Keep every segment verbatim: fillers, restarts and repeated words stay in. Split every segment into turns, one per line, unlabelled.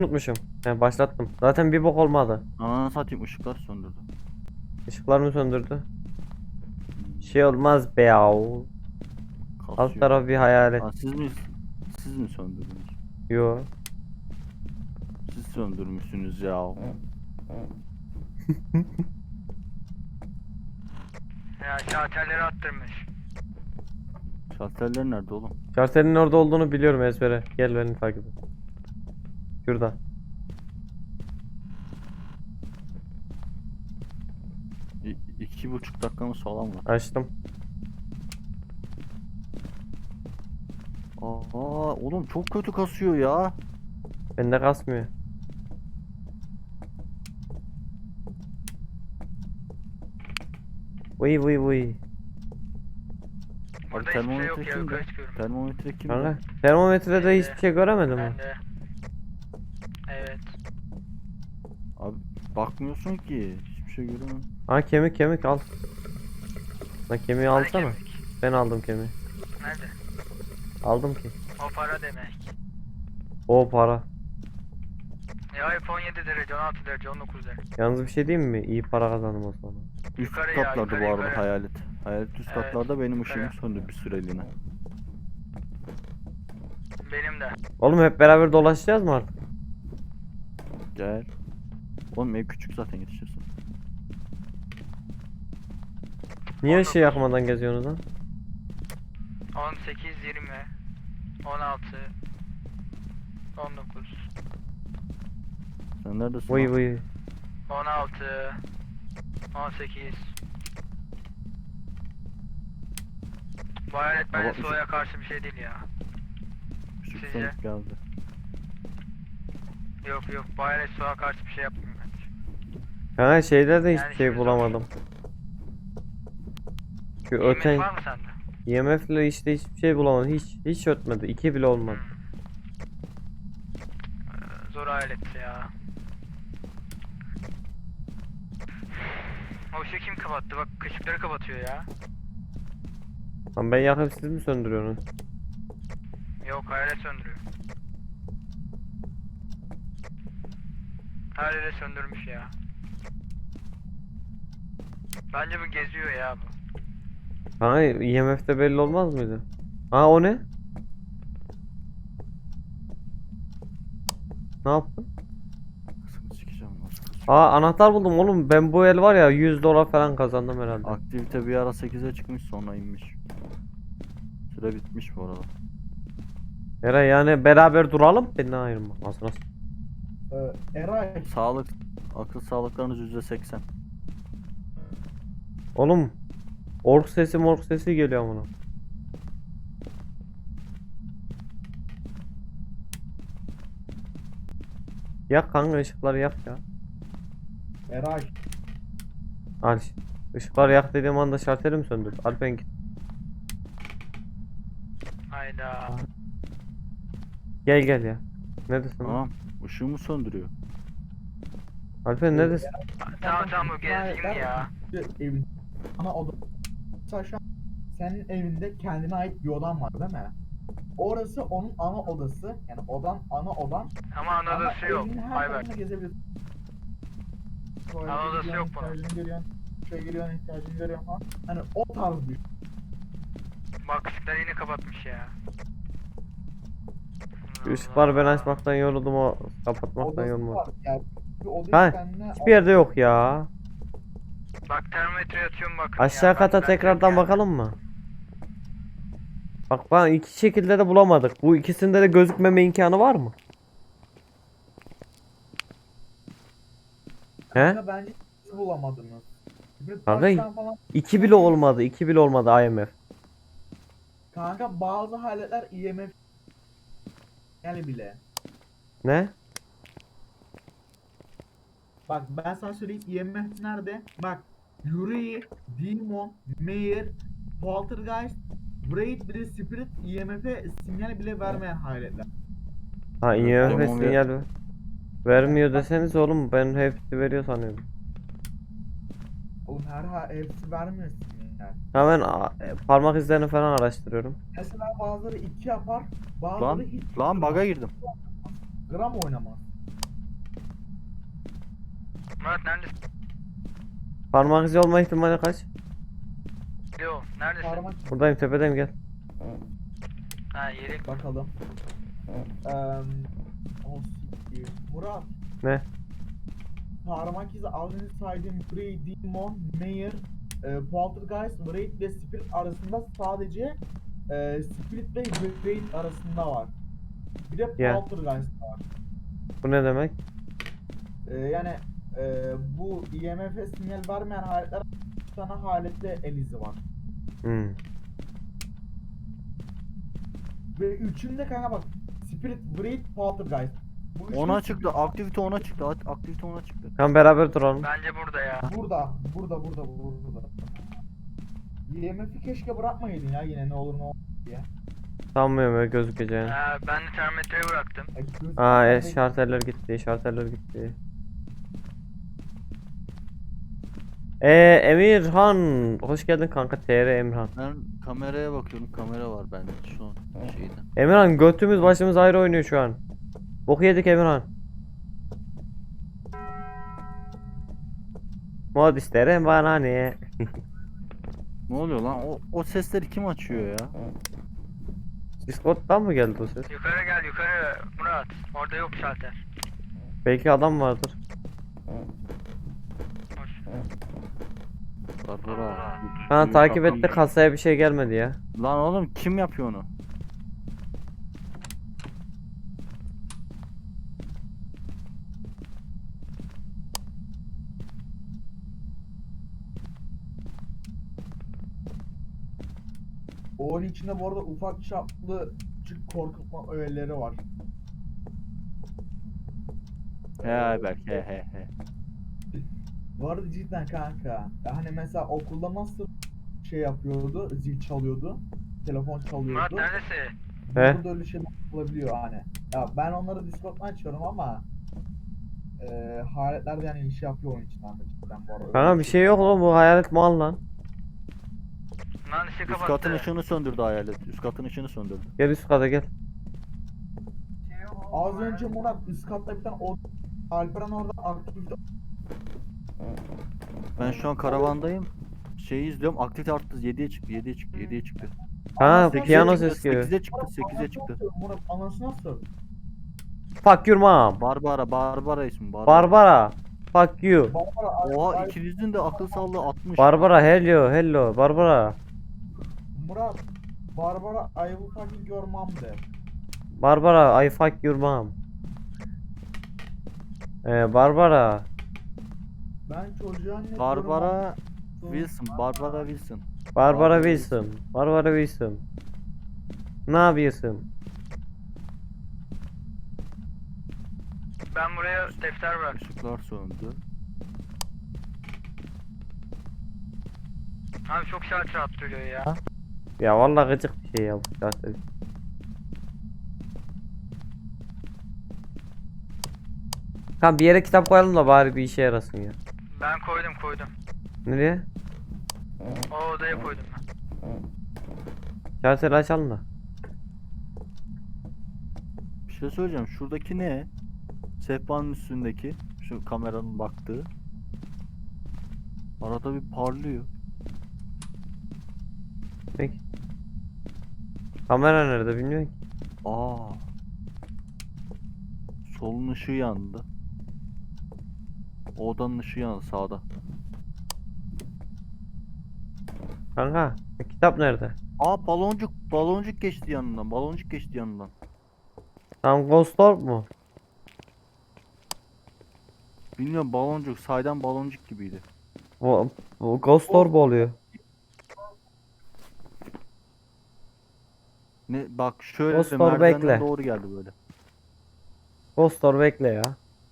Unutmuşum. He, başlattım. Zaten bir bok olmadı.
Ananı satayım, ışıklar söndürdü.
Işıklarını söndürdü. Şey olmaz be yahu. Alt
Kasıyor.
taraf bir hayalet.
Aa, siz mi siz mi söndürdünüz?
Yo.
Siz söndürmüşsünüz ya.
Ya şalterleri attırmış.
Şalterler nerede oğlum?
Şartelin orada olduğunu biliyorum ezbere. Gel beni takip et. Şurada.
İ iki buçuk dakikamız falan var.
Açtım.
Aa oğlum çok kötü kasıyor ya.
Bende kasmıyor. Vıy vıy vıy.
Abi
Burada hiçbir şey
termometre
yok ya,
kimde?
yukarı çıkıyorum.
Termometre kimde?
Kanka termometrede hiçbir şey göremedim mi?
Ben de. Evet.
Abi bakmıyorsun ki. Hiçbir şey göremiyorum.
Ha kemik kemik al. Lan kemiği
Hani
alsana.
kemik?
Ben aldım kemiği.
Nerede?
Aldım ki.
O para demek.
O para.
Ya hep on yedi derece, on altı derece, on dokuz derece.
Yalnız bir şey diyeyim mi? İyi para kazandım o zaman.
Üst
Yukarı ya,
katlarda
yukarı,
bu arada
yukarı.
hayalet. Hayalet üst
Evet,
katlarda, benim ışığım
yukarı.
söndü bir süreliğine.
Benim de.
Oğlum hep beraber dolaşacağız mı artık?
Gel. Oğlum ev küçük zaten, yetişirsin.
Niye ışığı yakmadan geziyorsunuz lan?
on sekiz, yirmi, on altı, on dokuz,
Sen neredesin
Vıy
lan?
vıy.
on altı, on sekiz. Bu hayalet bence
Baba,
soğuğa karşı bir şey değil ya.
Işık
Sizce?
sönüp geldi.
Yok yok, bu hayalet soğuğa karşı bir şey yapmıyor bence.
Kanka şeyde de
Yani
hiçbir şey
şimdi
bulamadım. Şu
Yemek
öten
var mı sende?
I M F'le işte hiçbir şey bulamadım. Hiç hiç ötmedi. İki bile olmadı.
Ee, Zor hayalet ya. O ışığı kim kapattı? Bak ışıkları kapatıyor ya.
Lan ben yakıp siz mi söndürüyorsunuz?
Yok, hayalet söndürüyor. Hayalet söndürmüş ya. Bence bu geziyor ya bu.
Kanka I M F'de belli olmaz mıydı? Ha o ne? Ne yaptın?
Kısmı sikeceğim, nasıl kısıyor?
Aa anahtar buldum oğlum. Ben bu el var ya yüz dolar falan kazandım herhalde.
Aktivite bir ara sekize çıkmış, sonra inmiş. Süre bitmiş bu arada.
Eray yani beraber duralım. Beni ayırma. Nasıl nasıl?
Ee, Eray,
Sağlık, akıl sağlıklarınız yüzde seksen.
Oğlum. Ork sesi mork sesi geliyor buna. Yak kanka ışıkları yak ya.
Eray.
Al. Işıkları yak dediğim anda şarteli mi söndür? Alpen git.
Hayda.
Gel gel ya. Neredesin lan?
Tamam, ışığımı söndürüyor.
Alpen neredesin?
Tamam tamam, o gezgin ya.
Evin ana oda. Mesela şu an senin evinde kendine ait bir odan var değil mi? Orası onun ana odası. Yani odan ana odan.
Ama ana
Ama
odası yok.
evinin her
Ayberk.
tarafını gezebilirsin. Böyle
Ana odası
gidiyorsun,
yok bunun.
ihtiyacını görüyorsun. Şöyle giriyorsun, ihtiyacını görüyorsun falan. Hani o tarz bir.
Bak ışıkları yine kapatmış ya.
Şu ışıkları ben açmaktan yoruldum o kapatmaktan
Odası
yorulmadım.
var. Yani bir odayı
Ha,
kendine
hiçbir yerde yok ya.
Bak termometre atıyorum bakın
Aşağı
ya.
kata
Ben- ben
tekrardan
yani.
bakalım mı? Bak bana iki şekilde de bulamadık. Bu ikisinde de gözükmeme imkanı var mı? He?
Kanka bence hiç bulamadınız. Bir
Kanka,
taştan falan.
İki bile olmadı. iki bile olmadı I M F.
Kanka bazı haletler I M F yani bile.
Ne?
Bak ben sana söyleyeyim I M F nerede? Bak Yuri, Demon, Meyer, Poltergeist, Wraith bile Spirit I M F'e sinyal bile vermeyen haletler.
Ha I M F
Demon ve-
sinyal ver- vermiyor deseniz oğlum ben hepsi veriyor sanıyordum.
Oğlum her ha hepsi vermiyor sinyal.
Hemen a- e, parmak izlerini falan araştırıyorum.
Mesela bazıları iki yapar, bazıları
Lan,
hiç
lan
gram-
baga girdim.
gram oynamaz.
Murat neredesin?
Parmak izi olma ihtimali kaç?
Yo neredesin?
Parmak
Buradayım, tepedeyim, gel.
Ha yeri.
bakalım. Eee o siktir. Murat.
Ne?
Parmak izi az önce saydığım Grey, Demon, Mayor, e, Poltergeist, Wraith ve Spirit arasında sadece e, Spirit ve Wraith arasında var. Bir de
Ya.
Poltergeist var.
Bu ne demek?
E, yani e, bu I M F'e sinyal vermeyen haletler üç tane halette el izi var.
Hmm.
Ve üçünde kanka bak Spirit, Wraith, Poltergeist. Bu üçünün
Ona
Spirit-
çıktı. Aktivite ona çıktı. at- Aktivite ona çıktı.
Tamam, beraber duralım.
Bence burada ya.
Burada, burada, burada, burada. I M F'i keşke bırakmayaydın ya yine ne olur ne olur diye.
Sanmıyorum öyle gözükeceğini.
Ha, ben de termometreyi bıraktım.
E, göz-
Aa, e,
gözü-
şarterler gitti, şarterler gitti. Ee, Emirhan, hoş geldin kanka. T R Emirhan.
Ben kameraya bakıyorum. Kamera var bende şu an şeyde.
Emirhan, götümüz başımız ayrı oynuyor şu an. Boku yedik Emirhan. Mod isterim bana ne?
Ne oluyor lan? O, o sesleri kim açıyor ya?
Discord'dan mı geldi o ses?
Yukarı gel yukarı Murat. Orada yok şalter.
Belki adam vardır.
Hoş.
Barbara.
Bana
bir-
takip
bakalım.
etti, kasaya bir şey gelmedi ya.
Lan oğlum kim yapıyor onu?
Oyun içinde bu arada ufak çaplı küçük korkutma öğeleri var.
He belki he he he.
Bu arada cidden kanka. Hani mesela okulda nasıl şey yapıyordu, zil çalıyordu, telefon
Murat
çalıyordu.
neredesin?
He?
Burada öyle şeyler olabiliyor hani. Ya ben onları Discord'dan açıyorum ama e, haletlerde yani iş yapıyor oyun içinden de cidden bu arada.
Kanka bir şey yok oğlum, bu hayalet mal lan.
Lan ışığı
Üst
kapattı.
katın ışığını söndürdü hayalet. Üst katın ışığını söndürdü.
Gel üst kata gel.
Az önce Murat üst katta bir tane o Alperen orada aktivite
Ben şu an karavandayım. Şeyi izliyorum. Aktivite arttı. yediye çıktı. yediye çıktı. yediye çıktı.
Ha,
sekize
piyano
çıktı,
ses geliyor.
sekize çıktı.
Murat,
sekize
anasını
çıktı.
nasıl? Murat anasını nasıl?
Fuck your mom.
Barbara. Barbara ismi. Barbara.
Barbara. Fuck you.
Barbara, ay-
Oha
ay-
ikinizin de akıl sağlığı altmış.
Barbara, hello, hello. Barbara.
Murat, Barbara I will fucking your mom de.
Barbara, I fuck your mom. Ee, Barbara.
Ben çocuğa ne
Barbara
diyorum
Wilson. Barbara Wilson.
Barbara Wilson. Barbara Wilson. Ne yapıyorsun?
Ben buraya defter bıraktım.
Işıklar söndü.
Abi çok şalter attırıyor ya.
Ya vallahi gıcık bir şey ya bu zaten. Tamam, bir yere kitap koyalım da bari bir işe yarasın ya.
Ben koydum koydum.
Nereye?
O odaya koydum ben.
Şarteli açalım da.
Bir şey söyleyeceğim. Şuradaki ne? Sehpanın üstündeki. Şu kameranın baktığı. Arada bir parlıyor.
Peki. Kamera nerede bilmiyorum ki.
Aa. Solun ışığı yandı. O odanın ışığı yandı sağda.
Kanka, e, kitap nerede?
Aa baloncuk. Baloncuk geçti yanından. Baloncuk geçti yanından.
Tam Ghost Orb mu?
Bilmiyorum baloncuk. Saydan baloncuk gibiydi.
Bu, bu Ghost Orb oluyor.
Ne bak şöyle
Dostlar,
merdivenden
bekle.
doğru geldi böyle.
Ghost Orb bekle ya.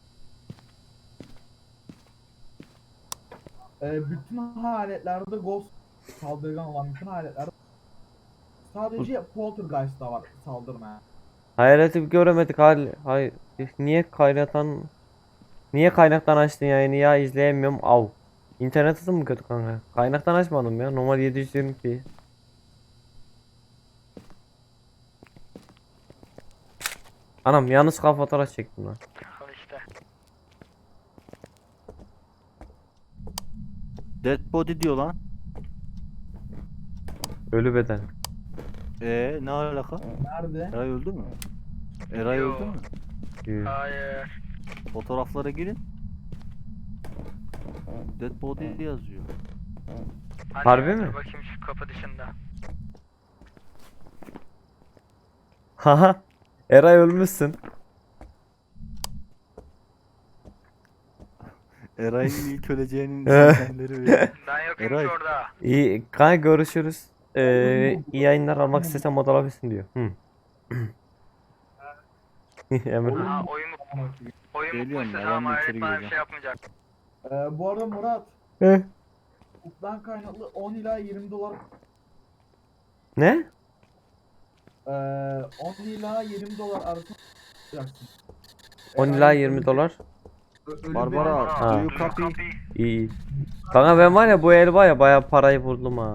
Ee, bütün haletlerde ghost saldırgan olan bütün haletlerde sadece poltergeist'ta var saldırmaya.
Hayaleti bir göremedik hal. Hayır. Niye kaynatan Niye kaynaktan açtın yayını ya, izleyemiyorum. Av. İnternet hızı mı kötü kanka? Kaynaktan açmadım ya. Normal yedi yüz yirmi p. Anam yalnız kafa fotoğraf çektim lan.
Al işte.
Dead body diyor lan.
Ölü beden.
Ee ne alaka?
Nerede?
Eray öldü mü? Eray
Yo.
öldü mü?
Yürü.
Hayır.
Fotoğraflara girin. Dead body yazıyor.
Hani
Harbi
dur
mi?
Bakayım şu kapı dışında.
Haha. Eray ölmüşsün.
Eray'ın ilk öleceğinin
Eh.
sinyalleri veriyor.
Ben yokum
Eray.
ki orada.
İyi kanka görüşürüz. Ee, iyi yayınlar almak istesem mod alabilirsin diyor. Hı. Emre.
Ha oyun mu? Oyun
Geliyorum
mutluysa
ya,
tamam
ben de
hayret
içeri
bana bir
gireceğim.
şey yapmayacak.
Ee, bu arada Murat,
Eh.
hukuktan kaynaklı on ila yirmi dolar
Ne?
Ee, on ila yirmi dolar arasında yapacaksın.
on ila yirmi dolar.
Ö- ölü
Barbara,
beden-
Ha.
do you copy?
İyi iyi. Kanka ben var ya bu el var ya bayağı parayı buldum ha.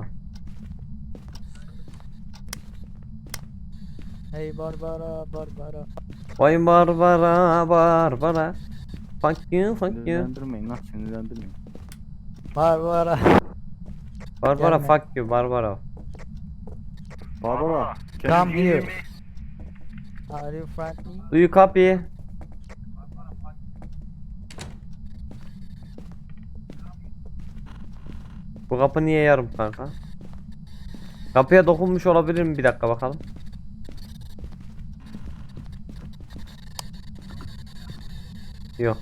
Hey Barbara, Barbara.
Vay Barbara Barbara. Fuck you fuck you.
Sinirlendirmeyin lan, sinirlendirmeyin.
Barbara.
Barbara
Gelme.
fuck you Barbara.
Barbara,
Come
can you hear
here.
me?
Are you friendly?
Do you copy? Bu kapı niye yarım kanka? Kapıya dokunmuş olabilir mi? Bir dakika bakalım. Yok.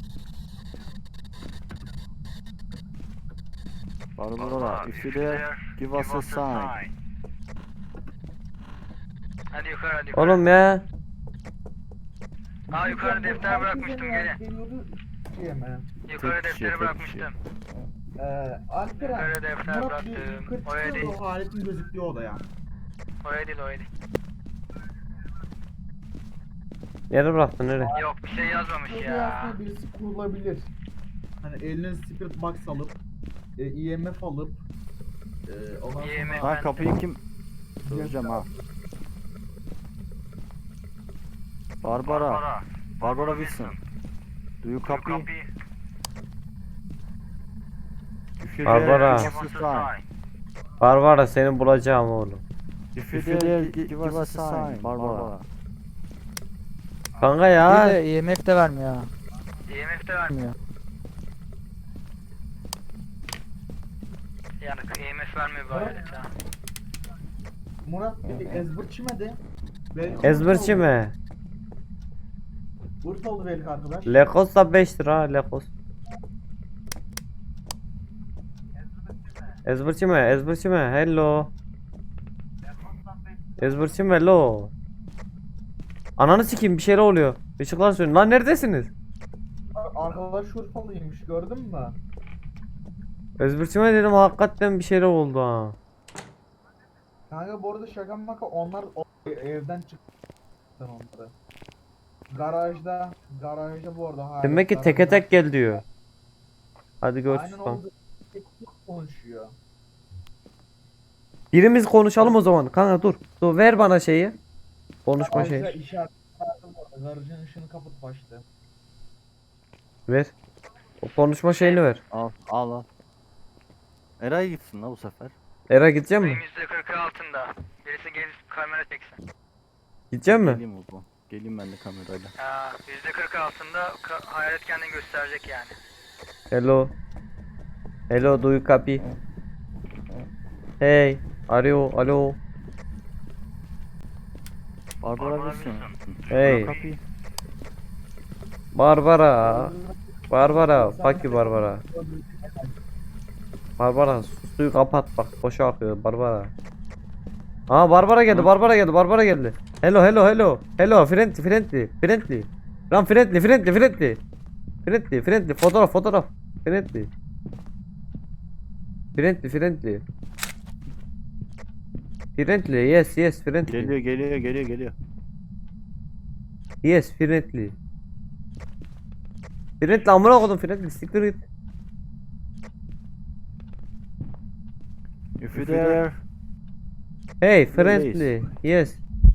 Barbara, if you there, give us a sign.
Hadi yukarı hadi yukarı.
Oğlum ya.
Aa yukarı defter bırakmıştım gelin.
Geliyordu şeye mi?
Yukarı
Tek kişi,
defteri
tek
bırakmıştım.
Ee, Alperen,
Yukarı defter
Murat bir
bıraktım.
yukarı
Oraya
çıkıyor
değil.
da o aletin gözüktüğü odaya.
Oraya değil oraya değil.
Yere bıraktın nereye?
Yok bir şey yazmamış
Odaya
ya.
aslında birisi kurulabilir. Hani eline spirit box alıp, e, E M F alıp, e, ondan
E M F.
sonra
Ha kapıyı kim? Söyleyeceğim ha. Barbara, Barbara Wilson. Do you copy? If you there,
Barbara.
give us a sign.
Barbara seni bulacağım oğlum.
If you there, gi- give us a sign. Barbara.
Kanka
Bir
ya.
de E M F de vermiyor ha.
E M F de vermiyor.
Vermiyor.
Yani E M F vermiyor bu alet ha.
Murat bir ezberçi mi de? Belki
Ezberçi
Urfalı.
mi?
Urfalı belki arkadaş.
Lekos da beş lira Lekos. Ezberçi mi? Ezberçi mi? Hello. Ezberçi mi? Hello. Ananı sikeyim bir şeyler oluyor. Işıklar sönüyor. Lan neredesiniz?
Arkadaş Urfalıymış gördün mü?
Ezberçi mi dedim hakikaten bir şeyler oldu ha.
Kanka bu arada şaka maka onlar o- evden çıktı onları. Garajda, garajda bu arada hala.
Demek ki teke tek gel diyor. Hadi görüşürüz
Aynen
kanka.
oldu. Tek tek konuşuyor.
Birimiz konuşalım o zaman. Kanka dur. Dur ver bana şeyi. Konuşma
Ayrıca
şeyi.
işaret verdim bu arada. Garajın ışığını kapatıp açtı.
Ver. O konuşma şeyini ver.
Al, al al. Eray gitsin la bu sefer.
Era gidecek mi?
Benim yüzde kırkı altında. Birisi gelip kamera çeksin.
Gidecek mi?
Geleyim o zaman. Geleyim ben de kamerayla.
Ha, yüzde kırkı altında ka- hayalet kendini gösterecek yani.
Hello. Hello, do you copy? Hey, are you, alo.
Barbara Wilson.
Hey.
Copy.
Barbara. Barbara, fuck you Barbara. Barbara, suyu kapat bak, boşa akıyor Barbara. Aa Barbara geldi, Barbara geldi, Barbara geldi. Hello, hello, hello. Hello, friendly, friendly, friendly. Lan friendly, friendly, friendly. Friendly, friendly, fotoğraf, fotoğraf. Friendly. Friendly, friendly. Friendly, yes, yes, friendly.
Geliyor geliyor geliyor geliyor.
Yes, friendly. Friendly amına koydum friendly, siktir git.
If you there,
Hey, friendly, yes.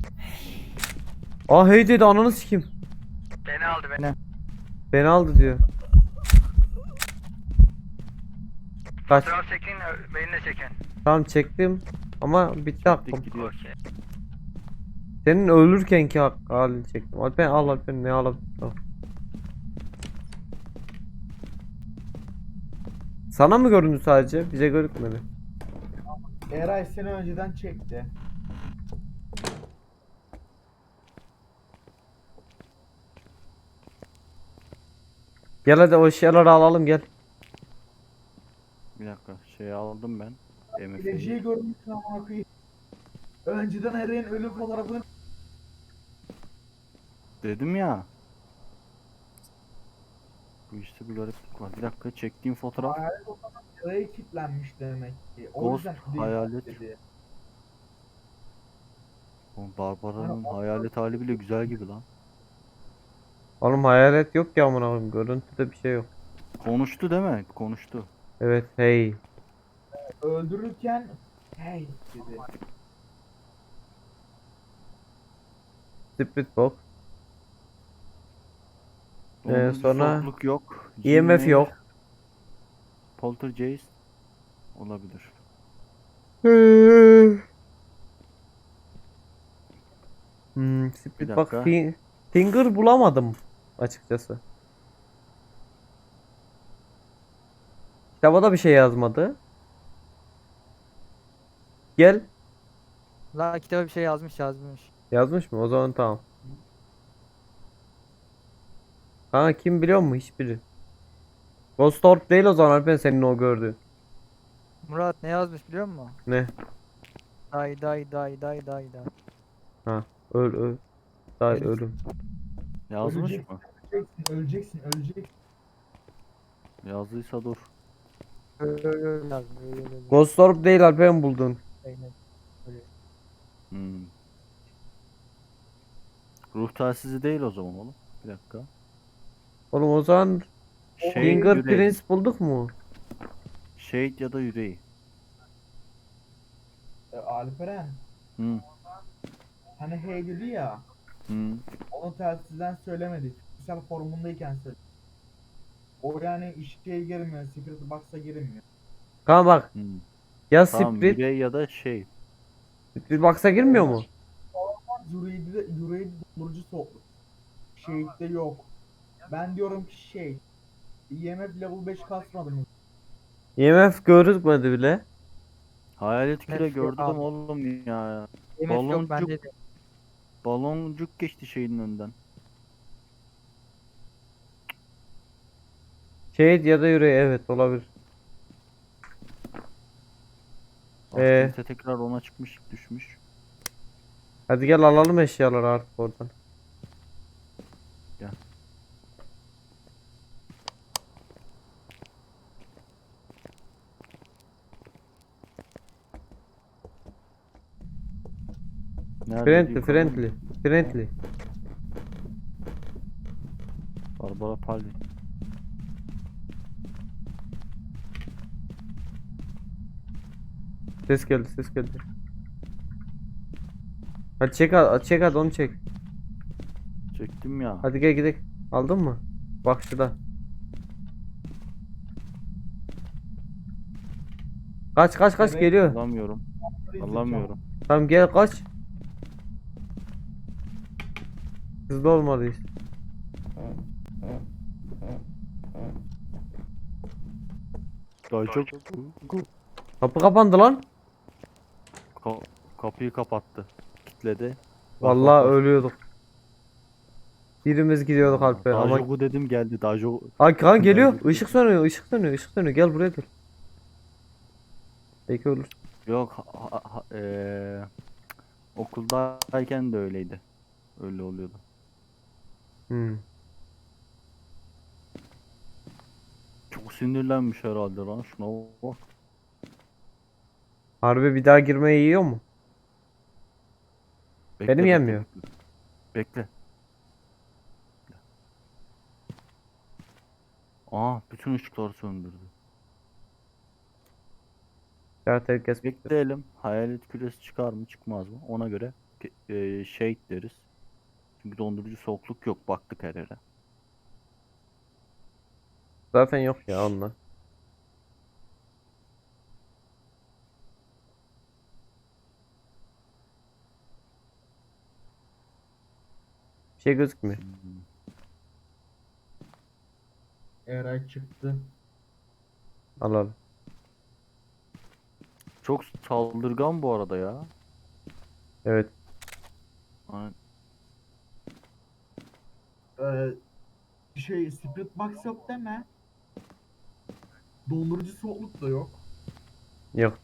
Ah hey dedi ananı sikeyim.
Beni aldı beni.
Beni aldı diyor. Kaç.
Fotoğraf çekin, benimle çekin.
Tamam çektim. Ama bitti hakkım.
Dik gidiyor.
Okey.
Senin ölürkenki hak halini çektim. Alper al Alper ne alabilir? Tamam. Sana mı göründü sadece? Bize görükmedi.
Eray seni önceden çekti.
Gel hadi o eşyaları alalım gel.
Bir dakika şey aldım ben. M F'yi.
Geleceği görmüşsün amına koyayım. Önceden Eray'ın ölüm fotoğrafını
Dedim ya. Bu işte bir gariplik var. Bir dakika çektiğim fotoğraf.
hayalet o zaman Eray'a kilitlenmiş demek ki. O
Ghost,
yüzden değil
hayalet.
dedi.
O Barbara'nın hayalet hali bile güzel gibi lan.
Oğlum hayalet yok ya amına koyayım. Görüntüde bir şey yok.
Konuştu değil mi? Konuştu.
Evet hey.
Öldürürken hey dedi.
Split box. Ee,
Dondurucu
sonra
soğukluk yok.
E M F
Jinler,
yok.
Poltergeist olabilir.
Hmm, split
Bir
box
dakika.
fi- finger bulamadım açıkçası. Kitaba da bir şey yazmadı. Gel.
La kitaba bir şey yazmış yazmış.
Yazmış mı? O zaman tamam. Kanka kim biliyor mu? Hiçbiri. Ghost Orb değil o zaman Alper senin o gördüğün.
Murat ne yazmış biliyor musun?
Ne?
Day day day day day day.
Ha. Öl öl. Day ölüm.
Yazmış
Ölecek.
mı?
Öleceksin, öleceksin, öleceksin.
Yazdıysa dur.
Öyle öyle öyle yazmış. Öyle öyle öyle.
Ghost Orb değil Alper'in buldun.
Aynen. Öyle.
Hmm. Ruh telsizi değil o zaman oğlum. Bir dakika.
Oğlum o zaman
Shade yüreği.
Fingerprints bulduk mu?
Shade ya da yüreği.
E, Alperen
Hmm.
hani hey dedi ya.
Hmm.
Onu telsizden söylemedi. Fiziksel formundayken söyledi. O yani işe girmiyor. Secret Box'a girmiyor.
Kanka bak.
Hmm.
Ya
Tamam
Split,
yüreği ya da şey.
Split Box'a girmiyor mu?
Yüreği de yüreği dondurucu soğukluk. Shade'de yok. Ben diyorum ki şey. E M F level beş kasmadım.
E M F görükmedi bile.
Hayalet küre
Nefret
gördüm
abi.
oğlum ya.
Yemek yok
Baloncuk.
bende de.
Baloncuk geçti şeyin önünden.
Shade ya da yüreği evet olabilir. Ee?
Aktivite tekrar ona çıkmış düşmüş.
Hadi gel alalım eşyaları artık oradan.
Gel. Nerede
Friendly,
yukarıda
friendly,
mı?
friendly.
Barbara Palli.
Ses geldi, ses geldi. Hadi çek, hadi çek hadi onu çek.
Çektim ya.
Hadi gel gidelim. Aldın mı? Bak şurada. Kaç kaç kaç
Evet.
geliyor.
Alamıyorum. Alamıyorum.
Tamam gel kaç. Hızlı olmalıyız.
Daha çok
Kapı kapandı lan.
Ka- kapıyı kapattı. Kitledi. Bak,
Vallahi
bak, bak.
ölüyorduk. Birimiz gidiyorduk Alper ama.
Dajoku dedim geldi. Dajo
Ay kan geliyor.
Dajoku.
Işık sönüyor, ışık sönüyor, ışık sönüyor. Gel buraya dur. Belki ölür.
Yok ha- ha- ha- eee, okuldayken de öyleydi. Öyle oluyordu.
Hmm.
Çok sinirlenmiş herhalde lan şuna bak.
Harbi bir daha girmeyi yiyor mu?
Bekle,
Benim
bekle,
yenmiyor.
Bekle. Bekle. Aa bütün ışıkları söndürdü.
Ya herkes
Bekleyelim. Hayalet küresi çıkar mı çıkmaz mı? Ona göre ke- eee shade deriz. Çünkü dondurucu soğukluk yok. Baktık her yere.
zaten yok ya onunla. Bir şey gözükmüyor.
Hmm.
Eray çıktı.
Al al.
Çok saldırgan bu arada ya.
Evet.
Hani
Ee, şey Spirit Box yok deme. Dondurucu soğukluk da yok.
Yok.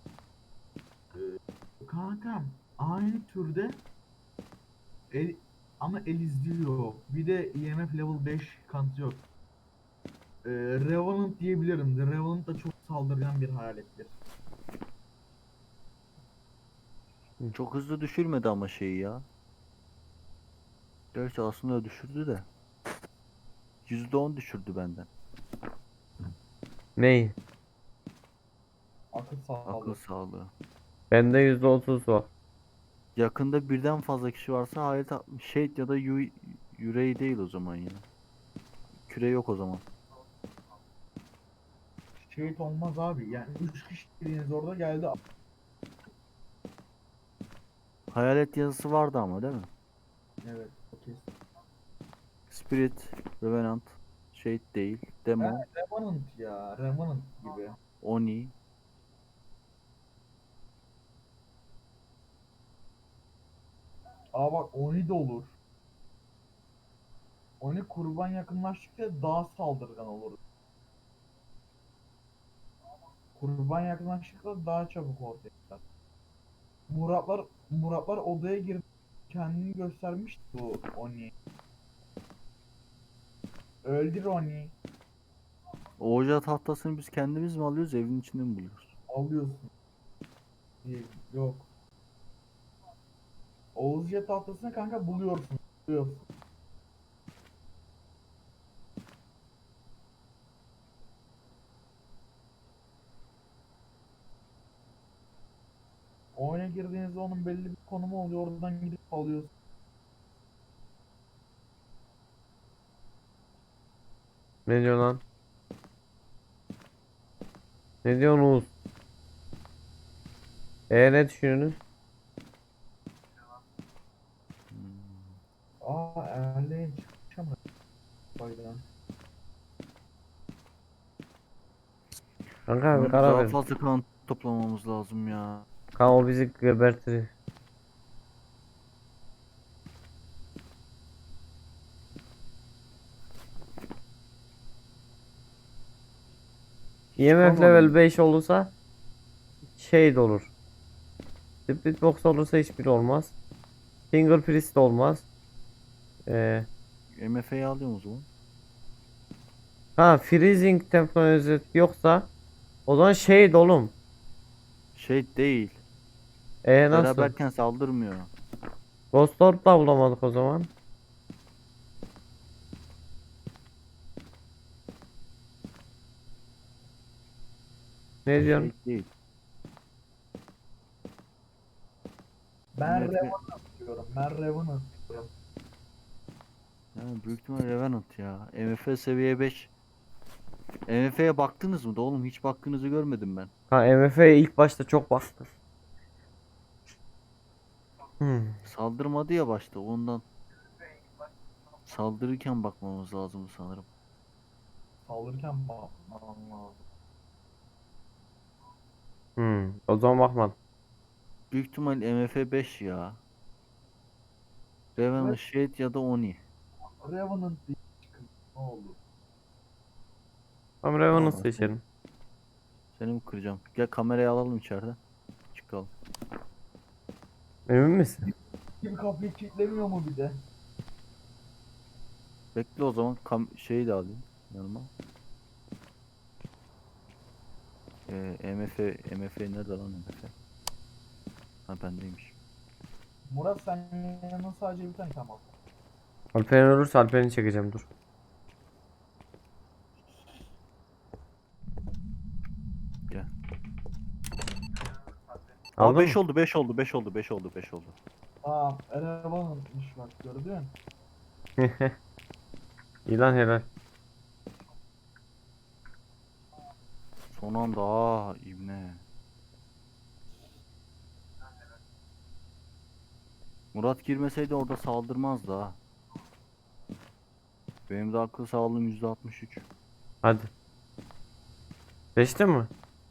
Kankam aynı türde el, ama el izliyor. Bir de E M F level beş kanıtı yok. Ee, Revenant diyebilirim. The Revenant da çok saldırgan bir hayalettir.
çok hızlı düşürmedi ama şeyi ya. Gerçi aslında düşürdü de. yüzde on düşürdü benden.
Ney?
Akıl
Akıl
sağlığı.
sağlığı.
Bende yüzde otuz var.
Yakında birden fazla kişi varsa hayalet atmış. Şey ya da yu yüreği değil o zaman ya. Küre yok o zaman.
Şehit olmaz abi. Yani üç kişi dediğiniz orada geldi.
Hayalet yazısı vardı ama değil mi?
Evet. O kesin.
Spirit, Revenant, şey değil,
Ha,
Demon,
Revenant ya. Revenant gibi.
Oni.
Aa bak Oni de olur. Oni kurban yakınlaştıkça daha saldırgan olur. Kurban yakınlaştıkça daha çabuk ortaya çıkar. Muratlar Muratlar odaya girip kendini göstermişti bu Oni. Öldür Oni.
Oca tahtasını biz kendimiz mi alıyoruz, evin içinde mi buluyoruz?
Alıyorsun. Diye- Yok. Oğuzca tahtasını kanka buluyorsun. Buluyorsun. Oyuna girdiğinizde onun belli bir konumu oluyor. Oradan gidip alıyorsun.
Ne diyor lan? Ne diyorsunuz? E ne düşünüyorsunuz?
Aa Erleğin çıkmış ama. Faydan.
Kanka bir
Abi
karar
daha
verin.
fazla kan toplamamız lazım ya.
Kanka o bizi gebertir. E M F
Çıkamadım.
level beş olursa şey de olur. Split box olursa hiçbir olmaz. Finger priest de olmaz. Ee,
M F'yi alıyorum o zaman.
ha freezing teknolojisi yoksa o zaman şey de oğlum.
Şey değil.
E nasıl?
Beraberken saldırmıyor.
Ghost Orb da bulamadık o zaman. Ne diyorsun?
Şey değil.
Ben
Evet,
Revenant diyorum. Ben Revenant diyorum.
yani büyük ihtimal Revenant ya. M F seviye beş. M F'ye baktınız mı da oğlum? Hiç baktığınızı görmedim ben.
Ha M F'ye ilk başta çok baktım. Hmm.
Saldırmadı ya başta ondan. Saldırırken bakmamız lazım sanırım.
Saldırırken bakmam lazım.
Hmm. O zaman bakmadım.
Büyük ihtimal M F beş ya. Revenant,
Evet.
Shade ya da Oni.
Revenant diye çıkın. Ne olur.
Tamam Revenant
Tamam.
seçelim.
Seni mi kıracağım? Gel kamerayı alalım içeriden. Çıkalım.
Emin misin?
Kim kapıyı kilitlemiyor mu bir de?
Bekle o zaman kam şeyi de alayım yanıma. Ee, M F, M F nerede lan M F? Ha bendeymiş.
Murat sen yanına sadece bir tane tamam.
Alperen ölürse Alperen'i çekeceğim dur.
Gel. Aa
Aldın
beş
mı?
oldu, beş oldu, beş oldu, beş oldu, beş oldu.
Aa Revenant'mış bak gördün.
İyi lan helal.
Son anda aa ibne. Murat girmeseydi orada saldırmazdı ha. Benim de akıl sağlığım yüzde altmış üç.
Hadi. Seçtin mi?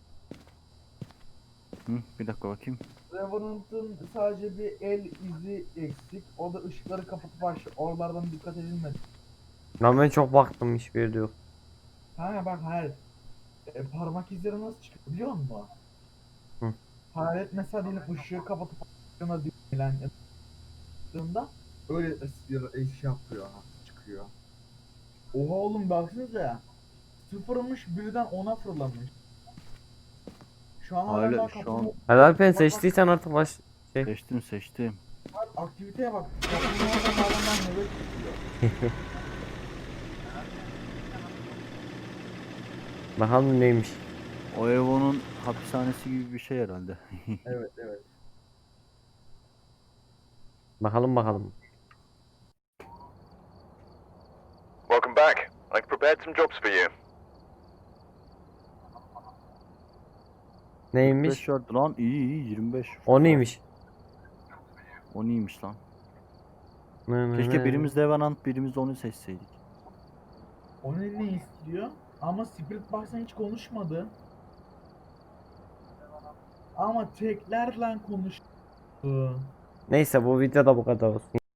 Hı, bir dakika bakayım.
Revenant'ın sadece bir el izi eksik. O da ışıkları kapatıp aç. Oralardan dikkat edilmedi.
Lan ben çok baktım, hiçbir yerde yok.
Ha bak hayır. E, parmak izleri nasıl çıkıyor biliyor musun?
Hı.
Hayalet mesela diyelim ışığı kapatıp açtığında diyelim yaptığında öyle ıs- iş yapıyor, çıkıyor. Oha oğlum baksanıza ya. Sıfırmış birden ona fırlamış. Şu an hala
Hala
daha
şu
kapının
an
Hadi Alpen,
Bak, bak,
seçtiysen artık baş şey.
seçtim seçtim.
bak, aktiviteye bak. Kapının orada hala daha nöbet tutuyor.
Bakalım neymiş.
O Evo'nun hapishanesi gibi bir şey herhalde.
Evet evet.
Bakalım bakalım.
Welcome back. I've prepared some jobs for you.
Neymiş?
beş yard lan, iyi iyi yirmi beş.
O neymiş?
O neymiş lan?
Nı nı
Keşke
nı.
birimiz Revenant birimiz de onu seçseydik.
O ne ne istiyor? Ama Spirit Box'tan hiç konuşmadı. Ama teklerle konuştu.
Neyse, bu videoda bu kadar olsun.